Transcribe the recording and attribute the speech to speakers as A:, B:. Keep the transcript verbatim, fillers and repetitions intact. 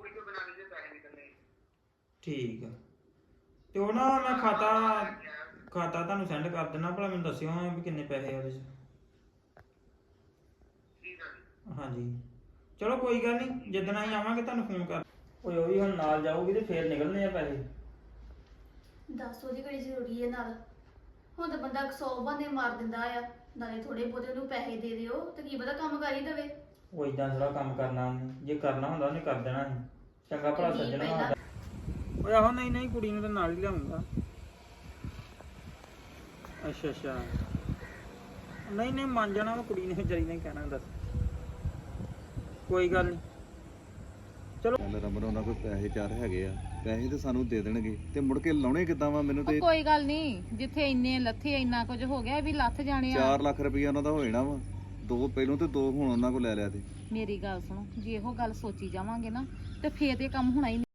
A: ਠੀਕ ਆ ਤੇ ਉਹ ਨਾ ਮੈਂ ਖਾਤਾ ਖਾਤਾ ਤੁਹਾਨੂੰ ਸੈਂਡ ਕਰ ਦੇਣਾ ਭਲਾ ਮੈਨੂੰ ਦੱਸਿਓ ਵੀ ਕਿੰਨੇ ਪੈਸੇ ਆ ਉਹਦੇ 'ਚ ਹਾਂਜੀ ਚਲੋ ਕੋਈ ਗੱਲ ਨਹੀਂ ਜਿੱਦਣ ਅਸੀਂ ਆਵਾਂਗੇ ਤੁਹਾਨੂੰ ਫੋਨ ਕਰ ਓਏ ਉਹ ਵੀ ਹੁਣ ਨਾਲ ਜਾਊਗੀ ਤੇ ਫੇਰ ਨਿਕਲਣੇ ਆ ਪੈਸੇ
B: ਦੱਸ ਉਹਦੀ ਕਿਹੜੀ ਜ਼ਰੂਰੀ ਹੈ ਨਾਲ ਹੁਣ ਤਾਂ ਬੰਦਾ ਸੌ ਬਹਾਨੇ ਮਾਰ ਦਿੰਦਾ ਆ ਨਾਲੇ ਥੋੜੇ ਬਹੁਤੇ ਉਹਨੂੰ ਪੈਸੇ ਦੇ ਦਿਓ ਤੇ ਕੀ ਪਤਾ ਕੰਮ ਕਰ ਹੀ ਦੇਵੇ
A: ਉਹ ਇਦਾਂ ਥੋੜਾ ਕੰਮ ਕਰਨਾ ਉਹਨੇ ਜੇ ਕਰਨਾ ਹੁੰਦਾ ਉਹਨੇ ਕਰ ਦੇਣਾ ਸੀ ਚੰਗਾ ਭਲਾ ਸੱਜਣਾ ਹੁੰਦਾ ਓਏ ਆਹੋ ਨਹੀਂ ਨਹੀਂ ਕੁੜੀ ਨੂੰ ਤਾਂ ਨਾਲ ਹੀ ਲਿਆਉਂਗਾ ਅੱਛਾ ਅੱਛਾ ਨਹੀਂ ਨਹੀਂ ਮੰਨ ਜਾਣਾ ਉਹ ਕੁੜੀ ਨੇ ਵਿਚਾਰੀ ਨੇ ਕਹਿਣਾ ਦੱਸ ਕੋਈ ਗੱਲ ਨਹੀਂ ਚਲੋ
C: ਰਮਨ ਉਹਨਾਂ ਕੋਲ ਪੈਸੇ ਚਾਰ ਹੈਗੇ ਆ ਪੈਸੇ ਤੇ ਸਾਨੂੰ ਦੇ ਦੇਣਗੇ ਤੇ ਮੁੜ ਕੇ ਲਾਉਣੇ ਕਿੱਦਾਂ ਵਾ ਮੈਨੂੰ ਤੇ
D: ਕੋਈ ਗੱਲ ਨਹੀਂ ਜਿੱਥੇ ਇੰਨੇ ਲੱਥੇ ਇੰਨਾ ਕੁਝ ਹੋ ਗਿਆ ਵੀ ਲੱਥ ਜਾਣੇ ਆ
C: ਚਾਰ ਲੱਖ ਰੁਪਈਆ ਉਹਨਾਂ ਦਾ ਹੋ ਜਾਣਾ ਵਾ ਦੋ ਪਹਿਲੋਂ ਤੇ ਦੋ ਹੁਣ ਉਹਨਾਂ ਕੋਲ ਲੈ ਲਿਆ ਤੇ
D: ਮੇਰੀ ਗੱਲ ਸੁਣੋ ਜੇ ਇਹੋ ਗੱਲ ਸੋਚੀ ਜਾਵਾਂਗੇ ਨਾ ਤੇ ਫੇਰ ਤੇ ਕੰਮ ਹੋਣਾ ਹੀ